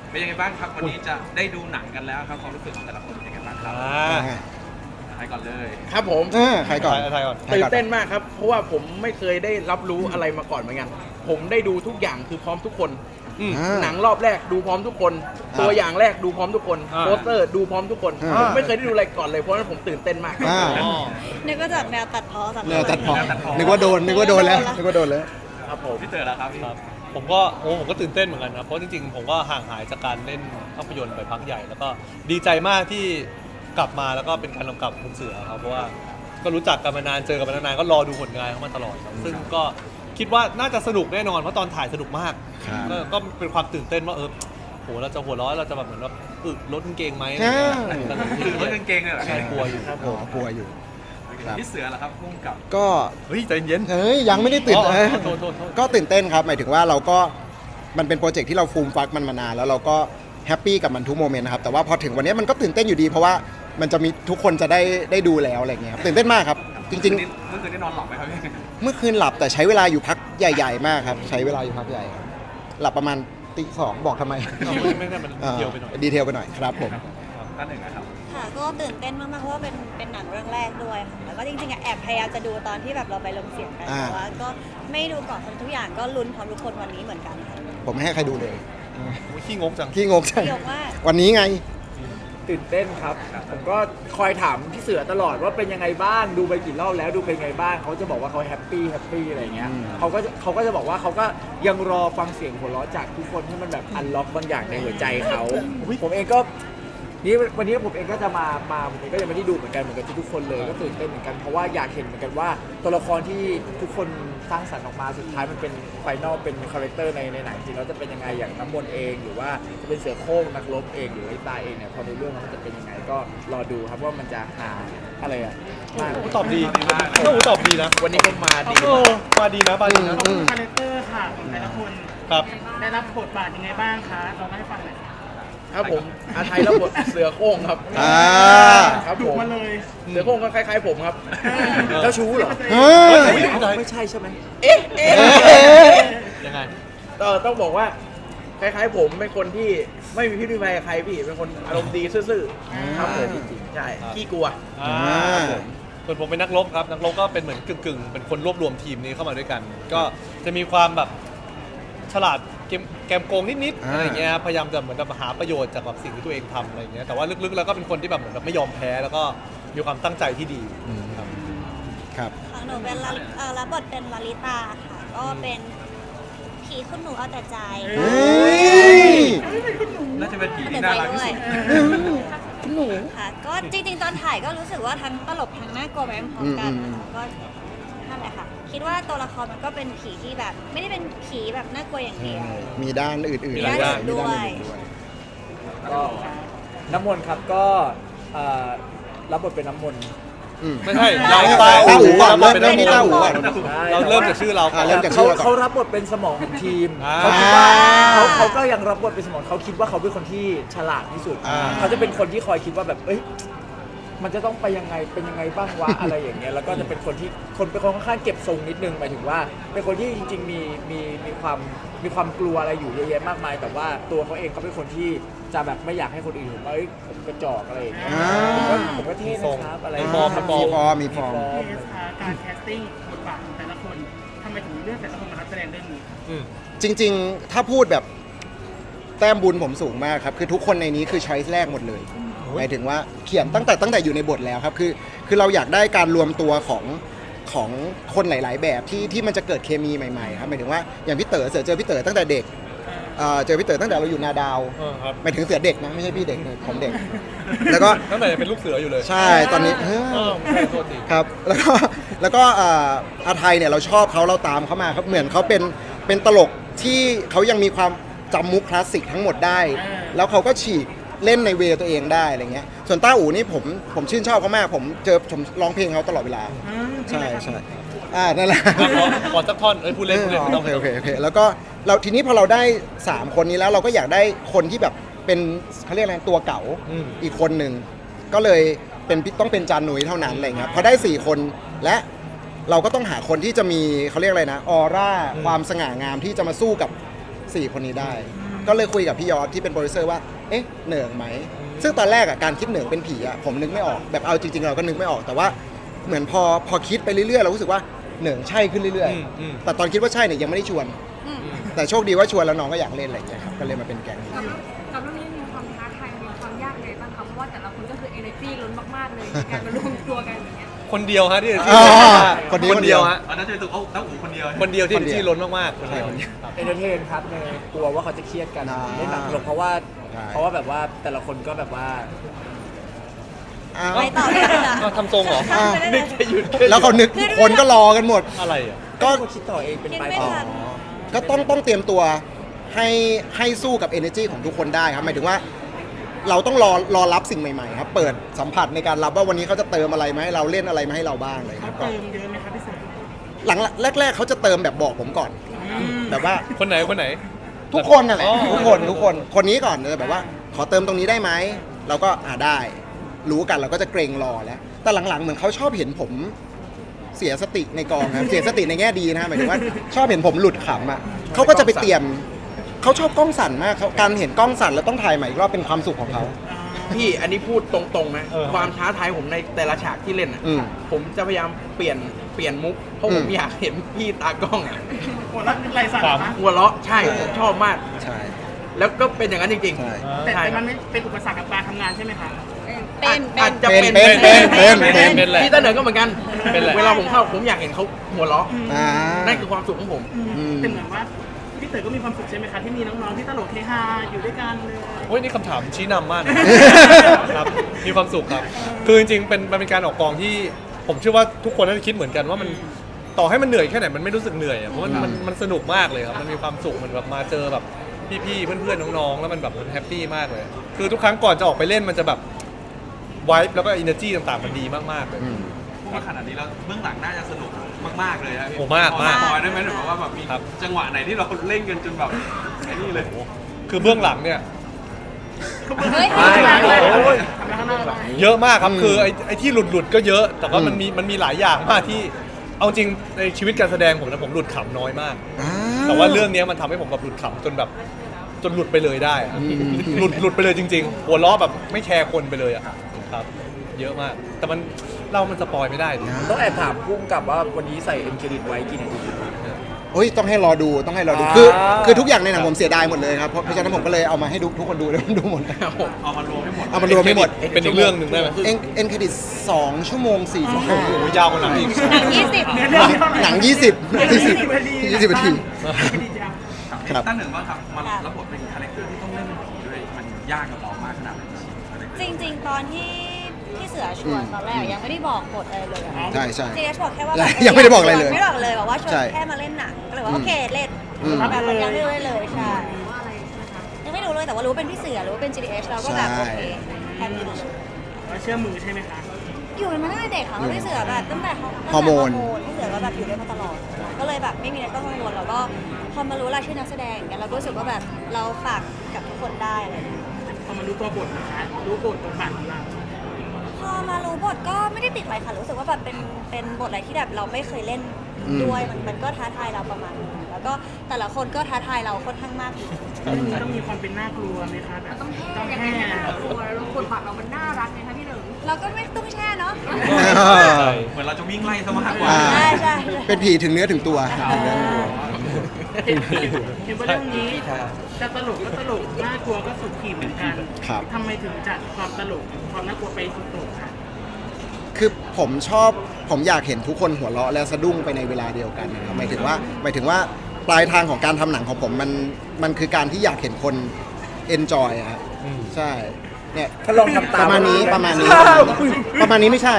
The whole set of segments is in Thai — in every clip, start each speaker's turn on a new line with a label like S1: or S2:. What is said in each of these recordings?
S1: เป็นยังไงบ้างครับวันนี้จะได้ดูหนังกันแล้วครับความรู้สึกของแต่ละคนเป็นยังไงบ้างครับใครก่อนเลย
S2: ครับผม
S3: ใครก่อน
S2: ตื่นเต้นมากครับเพราะว่าผมไม่เคยได้รับรู้อะไรมาก่อนเหมือนกันผมได้ดูทุกอย่างคือพร้อมทุกคนหนังรอบแรกดูพร้อมทุกคน ตัวอย่างแรกดูพร้อมทุกคนโปสเตอร์ดูพร้อมทุกคนผมไม่เคยได้ดูอะไรก่อนเลยเพราะฉะนั้นผมตื่นเต้นมาก
S4: นึกว่าจากแนวตัดพ้อจาก
S3: แนวตัดพอนึกว่าโดนแล้ว
S2: ครับผม
S1: พี่เต๋อแล้วครับพี่
S5: ผมก็ตื่นเต้นเหมือนกันนะเพราะจริงๆผมก็ห่างหายจากการเล่นภาพยนตร์ไปพักใหญ่ แล้วก็ดีใจมากที่กลับมาแล้วก็เป็นการกำกับคุณเสือครับเพราะว่าก็รู้จักกันมานานเจอกันมานานก็รอดูผลงานเขามาตลอดครับซึ่งก็คิดว่าน่าจะสนุกแน่นอนเพราะตอนถ่ายสนุกมากก็เป็นความตื่นเต้นว่าโหเราจะหัวร้อนเราจะแบบเหมือนว่าลดกางเกงไหม
S1: คือรถกางเกงเลยเหรอ
S5: ใช่กลัวอยู่
S3: กลัวอยู่
S1: พี่เสือเหรอครับพุ่งกับ
S3: ก็
S5: เฮ้ยใจเย็น
S3: ยังไม่ได้ตื่น
S5: โทษ
S3: ก็ตื่นเต้นครับหมายถึงว่าเราก็มันเป็นโปรเจกต์ที่เราฟูมฟักมันมานานแล้วเราก็แฮปปี้กับมันทุกโมเมนต์นะครับแต่ว่าพอถึงวันนี้มันก็ตื่นเต้นอยู่ดีเพราะว่ามันจะมีทุกคนจะได้ดูแล้วอะไรเงี้ยครับตื่นเต้นมากครับจริงๆ
S1: เมื่อคืนได้นอนหลับไหมครับพี่
S3: เมื่อคืนหลับแต่ใช้เวลาอยู่พักใหญ่ๆมากครับใช้เวลาอยู่พักใหญ่ครับหลับประมาณตี 2บอกทำไม
S5: ไม่ได้มันเดียวไปหน่อย
S3: ดีเทลไปหน่อยครับผม
S1: ท่านหนึ่งนะครับ
S4: ค่ะก็ตื่นเต้นมากๆเพราะว่าเป็นหนังเรื่องแรกด้วยค่ะแล้วก็จริงๆแอบพยายามจะดูตอนที่แบบเราไปลงเสียงกันแต่ว่าก็ไม่ดูก่อนทุกอย่างก็ลุ้นพร้อมทุกคนวันนี้เหมือนกันค่ะ
S3: ผมไม่ให้ใครดูเลย
S5: ขี้งกจัง
S3: ขี้งกใช่
S4: เยอะมาก
S3: วันนี้ไง
S2: ตื่นเต้นครับผมก็คอยถามพี่เสือตลอดว่าเป็นยังไงบ้างดูไปกี่รอบแล้วดูเป็นยังไงบ้างเขาจะบอกว่าเขาแฮปปี้อะไรเงี้ยเขาก็จะบอกว่าเขาก็ยังรอฟังเสียงหัวเราะจากทุกคนให้มันแบบอันล็อกบางอย่างในหัวใจเขาผมเองก็วันนี้ผมเองก็จะมาผมเองก็ยังไม่ได้ดูเหมือนกันทุกคนเลยก็ตื่นเต้นเหมือนกันเพราะว่าอยากเห็นเหมือนกันว่าตัวละครที่ทุกคนสร้างสรรค์ออกมาสุดท้ายมันเป็นไฟนอลเป็นคาแรคเตอร์ในหนังจริงแล้วจะเป็นยังไงอย่างน้ำมนต์เองหรือว่าจะเป็นเสือโคร่งนักรบเองหรือไอ้ตาเองเนี่ยพอในเรื่องมันจะเป็นยังไงก็รอดูครับว่ามันจะหาอะไรอ่ะมาก
S5: ตอบดีตอบดีนะ
S2: วันนี้ก็มาดี
S5: มาดีนะ
S6: ขอบคุณคาแรคเตอร์ค่ะของแต่ละคน
S5: ครับ
S6: ได้รับบทบาทยังไงบ้างคะลองให้ฟังหน่อยค่ะ
S2: ครับผมอาไทยรับบทเสือโคร่งครับครับ
S6: ดุ
S2: ผม
S6: มาเลย
S2: เสือโคร่งก็คล้ายๆผมครับเจ้าชู้เหรอ
S3: เฮ้ย
S2: ไม่ใช่ใช่ไหม
S5: ยังไง
S2: ต้องบอกว่าคล้ายๆผมเป็นคนที่ไม่มีพิษมีภัยกับใครพี่เป็นคนอารมณ์ดีซื่อๆครับผมจริงๆใช่ขี้กลัว
S5: ส่วนผมเป็นนักรบครับนักรบก็เป็นเหมือนกึ่งเป็นคนรวบรวมทีมนี้เข้ามาด้วยกัน ก็จะมีความแบบฉลาดแกมโกงนิดๆอะไรเงี้ยพยายามจะเหมือนแบบหาประโยชน์จากแบบสิ่งที่ตัวเองทำอะไรเงี้ยแต่ว่าลึกๆแล้วก็เป็นคนที่แบบเหมือนแบบไม่ยอมแพ้แล้วก็มีความตั้งใจที่ดีครับ
S3: ครับ
S4: ของหนูเป็นรับบทเป็นลลิตาค่ะก็เป็นผีคุณหนูเอาแต่ใจ
S3: เฮ้ย
S1: น่าจะเป็นผี
S4: เอาแต่
S1: ที่
S4: ใจ
S1: น่ารักที่
S4: ด้วย
S1: สุด
S4: ค่ะก็จริงๆตอนถ่ายก็รู้สึกว่าทั้งตลกทั้งน่ากลัวไปพร้อมๆกันนะคะก็นั่นแหละค่ะคิดว่าตัวละครมันก็เป็นผีที่แบบไม่ได้เป็นผีแบบน่ากลัวอย่างเดียว
S3: มีด้านอื่นๆ
S4: มีด้านอื่นด้วย
S2: ก็น้ำมนต์ครับก็รับบทเป็นน้ำมนต์
S5: ไม่ใช่
S3: เรา
S5: เรา
S3: ต้าอู่ก่อน
S5: เรา
S3: เริ่มที่ต้าอู่ก่อน
S5: เราเริ่มจากชื่อเราก่อน
S3: เริ่มจากชื่อเราก่อน
S2: เขารับบทเป็นสมองของทีม
S5: อ่า
S2: เขาคิดว่าเขาก็ยังรับบทเป็นสมองเขาคิดว่าเขาเป็นคนที่ฉลาดที่สุด เขาจะเป็นคนที่คอยคิดว่าแบบเอ้ยมันจะต้องไปยังไงเป็นยังไงบ้างวะ อะไรอย่างเงี้ยแล้วก็จะเป็นคนที่เป็นคนค่อนข้างเก็บทรงนิดนึงหมายถึงว่า เป็นคนที่จริงๆมีความกลัวอะไรอยู่เยอะแยะมากมาย แต่ว่าตัวเขาเองเขาเป็นคนที่จะแบบไม่อยากให้คนอื่นเห็นว่าเอ้ยผมกระจอกอะไรอย่างเงี้ยผมก็เท่นะครับอะไร
S3: มีฟอร์ม
S6: เทสค่ะการแคสติ้งบทบาทของแต่ละคนทำไมถึงเลือกแต่ละคนมาแสดงเรื่องนี้
S3: จริงๆ ถ้าพูดแบบแต้มบุญผมสูงมากครับ คือทุกคนในนี้คือช้อยส์แรกหมดเลยหมายถึงว่าเขียนตั้งแต่อยู่ในบทแล้วครับ คือเราอยากได้การรวมตัวของคนหลาย ๆ แบบที่มันจะเกิดเคมีใหม่ๆครับหมายถึงว่าอย่างพี่เต๋อเจอพี่เต๋อตั้งแต่เด็กเจอพี่เต๋อตั้งแต่เราอยู่นาดาว
S5: ครับ
S3: หมายถึงเสือเด็กนะไม่ใช่พี่เด็กผมเด็ก แล้วก็
S5: ตั้งแต่ยังเป็นลูกเสืออยู่เลย
S3: ใช่ตอนนี้
S5: ไม่โทษที
S3: ครับแล้วก็อาไทยเนี่ยเราชอบเขาเราตามเขามาครับเหมือนเขาเป็นตลกที่เขายังมีความจำมุกคลาสสิกทั้งหมดได้ แล้วเขาก็ฉีกเล่นในเวตัวเองได้อะไรเงี้ยส่วนต้าอู๋นี่ผมชื่นชอบเขามากผมร้องเพลงเขาตลอดเวลาใช่นั่นแหละ
S5: ก่อนสักท่อนพูดเล่นไม่ต้อง
S3: โอเคแล้วก็เราทีนี้พอเราได้3คนนี้แล้วเราก็อยากได้คนที่แบบเป็นเขาเรียกอะไรตัวเก่าอีกคนหนึ่งก็เลยต้องเป็นจานหนุ่ยเท่านั้นอะไรเงี้ยพอได้4คนและเราก็ต้องหาคนที่จะมีเขาเรียกอะไรนะออร่าความสง่างามที่จะมาสู้กับ4คนนี้ได้ก็เลยคุยกับพี่ยอดที่เป็นโปรดิวเซอร์ว่าเอ๊ะเหนิงไหมซึ่งตอนแรกอะการคิดเหนิงเป็นผีอะผมนึกไม่ออกแบบเอาจริงๆเราก็นึกไม่ออกแต่ว่าเหมือนพอคิดไปเรื่อยๆเรารู้สึกว่าเหนิงใช่ขึ้นเรื่อยๆแต่ตอนคิดว่าใช่เนี่ยยังไม่ได้ชวน แต่โชคดีว่าชวนแล้วน้องก็อยากเล่นอะไรอย่างเงี้ยครับก็เลยมาเป็นแก๊งนี้
S7: กับเรื่องนี้มีความท้าทายมีความยากเลยบ้างคะเพราะว่าแต่ละคนก็คือ energy ล้นมากๆเลยในการมารวมตัวกันอย่างเงี้ย
S5: คนเดียวฮะที่
S3: อ๋อคนเดียว
S5: ฮะ
S1: อันนั้นจะเป็นตัวตั้งหูคนเดียว
S5: คนเดียวที่
S3: คนเดียว
S5: ที่ล้นมากๆคนเดียว
S2: เอนเตอร์เทนครับในกลัวว่าเขาจะเครียดกัน
S3: อ่า
S2: เล่นหนังตลกเพราะว่า
S3: ใช่
S2: แบบว่าแต่ละคนก็แบบว่า
S3: อ้าว
S4: ไปต่อเลยค่ะ
S5: ทำทรงเหรอ
S4: ข้ามไปได้เลย
S3: แล้วเขานึกคนก็รอกันหมด
S5: อะไรอ่ะ
S3: ก็
S2: ก็คิดต่อเองเป็น
S4: คิด
S2: ไป
S4: ไม่
S2: ต่อ
S4: ทัน
S3: ก็ต้องเตรียมตัวให้สู้กับ energy ของทุกคนได้ครับหมายถึงว่าเราต้องรอรับสิ่งใหม่ๆครับเปิดสัมผัสในการรับว่าวันนี้เขาจะเติมอะไรมาให้เราเล่นอะไรมาให้เราบ้างเลยค
S6: เขา
S3: รับก็
S6: เติมเยอะไหมครับพี่เสือ
S3: หลังแรกๆเขาจะเติมแบบบอกผมก่อน แบบว่า
S5: คนไหน
S3: ทุกคนนั่นแหละ
S5: อ๋อ
S3: ทุกคนคนนี้ก่อนจะแบบว่าขอเติมตรงนี้ได้ไหมเราก็ได้รู้กันเราก็จะเกรงรอแล้วแต่หลังๆเหมือนเขาชอบเห็นผมเสียสติในกองครับเสียสติในแง่ดีนะหมายถึงว่าชอบเห็นผมหลุดขำอ่ะเขาก็จะไปเตรียมเขาชอบกล้องสั่นมากเขาการเห็นกล้องสั่นแล้วต้องถ่ายใหม่อีกรอบเป็นความสุขของเขา
S8: พี่อันนี้พูดตรงๆนะ ความท้าทายผมในแต่ละฉากที่เล่นอ่ะ
S3: อืม
S8: ผมจะพยายามเปลี่ยนมุก เพราะผมอยากเห็นพี่ตากล้องอ่ะ
S6: หัวเราะไรสั่นนะ
S8: หัวเราะใช่ผมชอบมาก
S3: ใช่
S8: แล้วก็เป็นอย่างนั้นจริง
S3: ใช่
S8: ๆ
S6: แต่
S8: ใช่
S6: มันไม่เป็นอุปสรรคกับการทำงานใช่ไหมคะ
S4: เป็น
S8: อาจจะ
S3: เป็น
S8: เป็น
S5: เป็นแหละ
S8: พี่ตาเหนิงก็เหมือนกัน
S5: เป็นแหละ
S8: เวลาผมเข้าผมอยากเห็นเขาหัวเราะ
S3: อ่า
S8: นั่นคือความสุขของผม
S6: แต่เหมือนว่าพี่เต๋อก็มีความสุขใช่ไหมคะที่มีน้องๆที่ตลกเฮฮาอยู่ด้วยกันเลย
S5: โอ้ยนี่คำถามชี้นำมากนะครับมีความสุขครับ คือจริงๆมันเป็นการออกกองที่ผมเชื่อว่าทุกคนน่าจะคิดเหมือนกันว่ามันต่อให้มันเหนื่อยแค่ไหนมันไม่รู้สึกเหนื่อยอะเพราะมันสนุกมากเลยครับมันมีความสุขมันแบบมาเจอแบบพี่ๆเพื่อนๆน้องๆแล้วมันแบบมันแฮปปี้มากเลย คือทุกครั้งก่อนจะออกไปเล่นมันจะแบบไวบ์แล้วก็อินเนอร์จีต่างๆมันดีมากๆเลย
S1: เพราะว่าขนาดนี้แล้วเบื้องหลังน่าจะสนุกมากๆเลยนะพี่
S5: โอ้มาก
S1: พอ
S5: มาก
S1: สปอยได้ไหมหรือว่าแบบมี
S5: ครับ
S1: จังหวะไหนที่เราเล่นกันจนแบบไอ้นี่เลย
S5: คือเบื้องหลังเนี่ย
S4: เฮ้ย
S5: เยอะมากครับคือไอ้ที่หลุดก็เยอะ แต่ว่ามันมีหลายอย่างมากที่เอาจริงในชีวิตการแสดงผมนะผมหลุดขำน้อยมาก แต่ว่าเรื่องนี้มันทำให้ผมแบบหลุดขำจนหลุดไปเลยได้อะหลุดไปเลยจริงๆหัวล้อแบบไม่แคร์คนไปเลยอะครับ เยอะมาก แต่มันสปอยไม่ได้ดิ
S2: ต้องแอบถามพุ่มกับว่าวันนี้ใส่เอ็นเครดิตไว้กี่นาที
S3: โอ้ยต้องให้รอดูต้องให้รอดู
S2: อ่า
S3: คือทุกอย่างในหนังผมเสียดายหมดเลยครับเพราะฉะนั้นผมก็เลยเอามาให้ทุกคนดูแล้วดูหมด
S1: เอามารวมให้หมด
S3: เอามารวมให้หมด
S5: เป็นอีกเรื่องหนึ่งได้ไหม
S3: เอ็นเครดิต2 ชั่วโมง 45
S5: โอ้โหยาวกว่าหนังอีก
S4: หนัง20
S6: เนื้อเรื่องนี้เท่าไหร่
S3: หนัง 20 นาทีครับ
S1: ตั้งหนึ่งว่าครับมันรับบทเป็นคาแรคเตอร์ที่ต้องเล่นเป็นผีด้วยมันยากกับเรามากขนาดไหน
S4: จริงๆ ตอนที่พี่เสือชวนตอนแรกยังไม่ได้บอกบทอะไรเลยอะ
S3: ใช่ใช่
S4: จริงๆบอกแค่ว่า
S3: ยังไม่ได้บอกอะไรเลย
S4: ไม่ได้บอกเลยบอกว่าชวน
S3: ใช่
S4: แค่มาเล่นหนังก็เลยว่าโอเคเล่น
S3: อืม
S4: แบบมันยังไม่รู้เลยใช่ยังไม่รู้เลยแต่ว่ารู้เป็นพี่เสือรู้ว่าเป็น GDH เราก็แบบโอเคแฮปปี้
S6: เราเชื่อมือใช่ไหมคะ
S4: อยู่กันมาตั้งแต่เด็กค่ะพี่เสือแบบตั้งแต่
S3: ฮอร์โมน
S4: พี่เสือก็แบบอยู่ด้วยมาตลอด ก็เลยแบบไม่มีอะไรต้องกังวลแล้วก็พอมารู้รายชื่อนักแสดงอย่างเงี้ยเราก็รู้สึกว่าแบบเราฝากกับทุกคนได้อะไรอย่างเงี้ย
S6: พอมารู้ตัวบทนะคะรู้บทบทบาทของเรา
S4: พอมารู้บทก็ไม่ได้ติดอะไรค่ะรู้สึกว่าแบบเป็นบทอะไรที่แบบเราไม่เคยเล่นด้วยมันก็ท้าทายเราประมาณนึงแล้วก็แต่ละคนก็ท้าทายเราค่อนข้างมากอยู่
S6: เรื่องนี้ต้องมีความเป็นน่ากลัวไหมคะแบบ
S7: ต้องแห้ยังไงให้น่ากลัวแล้วบทบาทเรามันน่ารักไงคะพี่หนึ่ง
S4: เราก็ไม่ต้องแช่เนาะ
S1: เหมือนเราจะวิ่งไล่ซะมากกว่า
S3: อ่า
S4: ใช่ใช่
S3: เป็นผีถึงเนื้อถึงตัวถึงเนื้อถึงตัว
S6: เห็นว่าเรื่องนี้จะตลกก็ตลกน่ากลัวก็สุดขีดเหมือนกัน
S3: ครับ
S6: ทำไมถึงจัดความตลกความน่ากลัวไปสุดโต่งคะ
S3: คือผมอยากเห็นทุกคนหัวเราะและสะดุ้งไปในเวลาเดียวกันนะครับหมายถึงว่าปลายทางของการทำหนังของผมมันคือการที่อยากเห็นคน enjoy อะครับใช่เนี่ย
S2: ถ้าลองทำตาม
S3: ประมาณนี้ประมาณนี้ไม่ใช่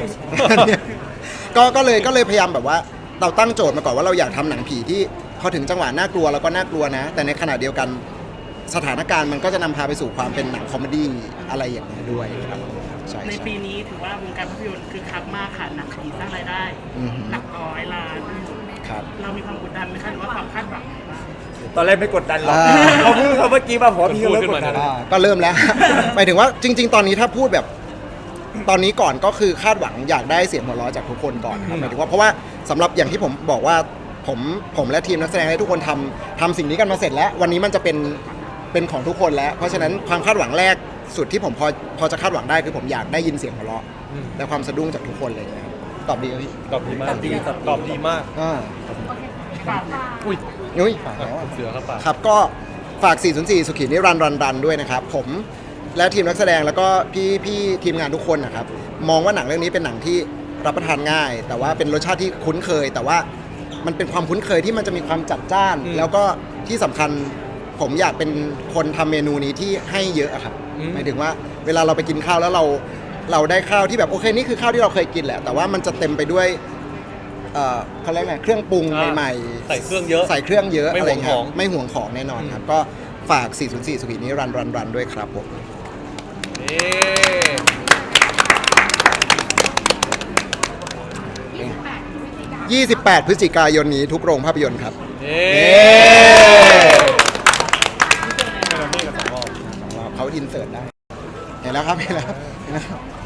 S3: ก็เลยพยายามแบบว่าเราตั้งโจทย์มาก่อนว่าเราอยากทำหนังผีที่พอถึงจังหวะน่ากลัวแล้วก็น่ากลัวนะ แต่ในขณะเดียวกันสถานการณ์มันก็จะนำพาไปสู่ความเป็นหนังคอมเมดี้อะไรอย่างนี้ยด้วยครับใช่
S6: ใน
S3: ใช่
S6: ปีนี้ถือว่าวงการภาพยนตร์คือคักมากค่ะหนักผีสร้างรายได้
S3: อือหือ
S6: หลักร้อยล้าน
S3: ครับ
S6: เรามีความกดดันไหมคะหรือว่าความคาดหวัง
S2: ตอนแรกไม่กดดันหรอก
S3: อ่า
S2: เขาพูดเขาเมื่อกี้มาผมว่าพี่เขาเริ่มกดดัน
S3: ก็เริ่มแล้ว หมายถึงว่าจริง ๆ ตอนนี้ถ้าพูดแบบตอนนี้ก่อนก็คือคาดหวังอยากได้เสียงหัวเราะจากทุกคนก่อนครับหมายถึงว่าเพราะว่าสำหรับอย่างที่ผมบอกว่าผมและทีมนักแสดงและทุกคนทำสิ่งนี้กันมาเสร็จแล้ว วันนี้มันจะเป็นเป็นของทุกคนแล้ว เพราะฉะนั้นความคาดหวังแรกสุดที่ผมพอจะคาดหวังได้คือผมอยากได้ยินเสียงหัวเราะ
S5: อืม
S3: และความสะดุ้งจากทุกคนเลยนะครับตอบดีไหมพี่
S5: ตอบดีมากตอบดีมาก
S3: อ่า
S6: ฝาก
S5: อุ้ย
S3: นุ้ย
S5: อ่ะคุณเสือครับป่ะ
S3: ครับก็ฝาก 404 สุขีนิรันดร์รันด้วยนะครับ ผมและทีมนักแสดงแล้วก็พี่ทีมงานทุกคนนะครับ มองว่าหนังเรื่องนี้เป็นหนังที่รับประทานง่าย แต่ว่าเป็นรสชาติที่คุ้นเคย แต่ว่ามันเป็นความคุ้นเคยที่มันจะมีความจัดจ้าน แล้วก็ที่สำคัญผมอยากเป็นคนทำเมนูนี้ที่ให้เยอะอะครับหมายถึงว่าเวลาเราไปกินข้าวแล้วเราได้ข้าวที่แบบโอเคนี่คือข้าวที่เราเคยกินแหละ แต่ว่ามันจะเต็มไปด้วยเขาเรียกไงเครื่องปรุงใหม่ๆ
S5: ใส่เครื่องเยอะ
S3: ใส่เครื่องเยอะ
S5: ไม่
S3: อะไร
S5: ห่วง
S3: เงี้
S5: ข
S3: ย
S5: อง
S3: ไม่ห่วงของแน่นอนครับ ก็ฝาก 404 สุขีนี้รันด้วยครับผม
S5: นี่
S3: 28 พฤศจิกายนนี้ทุกโรงภาพยนตร์ครับ
S5: นี่
S3: เย้
S5: ให้เราเมฆกันสองรอบ
S3: เขาอินเสิร์ตได้ เห็นแล้วครับเห็นแล้ว